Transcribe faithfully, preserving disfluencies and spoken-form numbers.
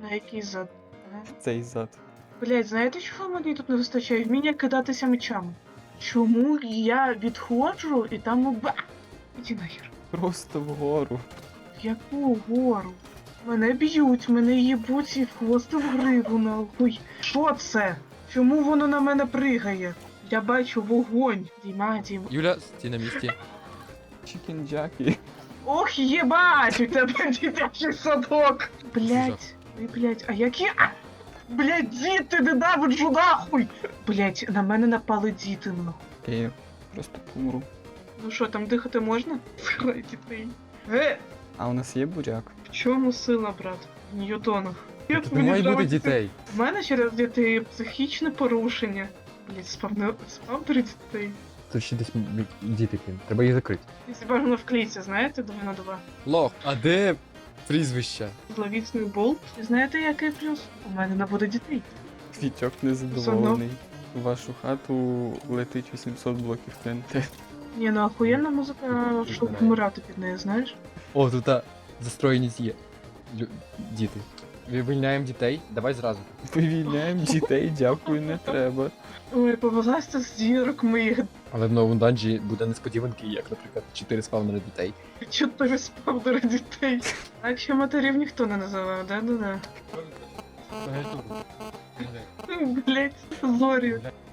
На який зад? Ага. Цей зад. Блять, знаєте, чого мені тут не вистачає? Вміння кидатися мечами. Чому я відходжу і там ба? Іди нахер. Просто вгору. В яку гору? Мене б'ють, мене їбуть і просто в гриву нахуй. Що це? Чому воно на мене пригає? Я бачу вогонь. Діма, Діма. Юля, стій на місці. Чікінджакі. Ох, єбать, у тебе дитячий садок. Блять, ой, блять, а які... А! Блять, діти, ненавиджу нахуй! Блять, на мене напали діти, нахуй. Я просто помру. Ну що, там дихати можна? Срай дітей. Е, А у нас є буряк? в чому сила, брат? В ньютонах. Як Тут не мені має бути нравиться- дітей. В мене через дітей психічне порушення. Блять, спавне... спавнери дітей. Тут ще десь м- м- діти, блін. Треба їх закрити. Якщо бажано в клейці, знаєте, два на два. Лох, а де прізвище? Зловісний болт. І знаєте, який плюс? У мене не буде дітей. Вітьок незадоволений. У вашу хату летить вісімсот блоків Т Н Т. Ні, ну охуєнна музика, щоб вмирати під нею, знаєш? О, тут а, застроєність є. Лю- Діти. Вивільняємо дітей, давай зразу. Вивільняємо дітей, дякую, не треба. Ой, повелася з дірок моїх. Але в новому данжі буде несподіванки, як, наприклад, чотири спавнери дітей. Чотири спавнери дітей. Так ще матерів ніхто не називав, да-да-да. Блять, зорі.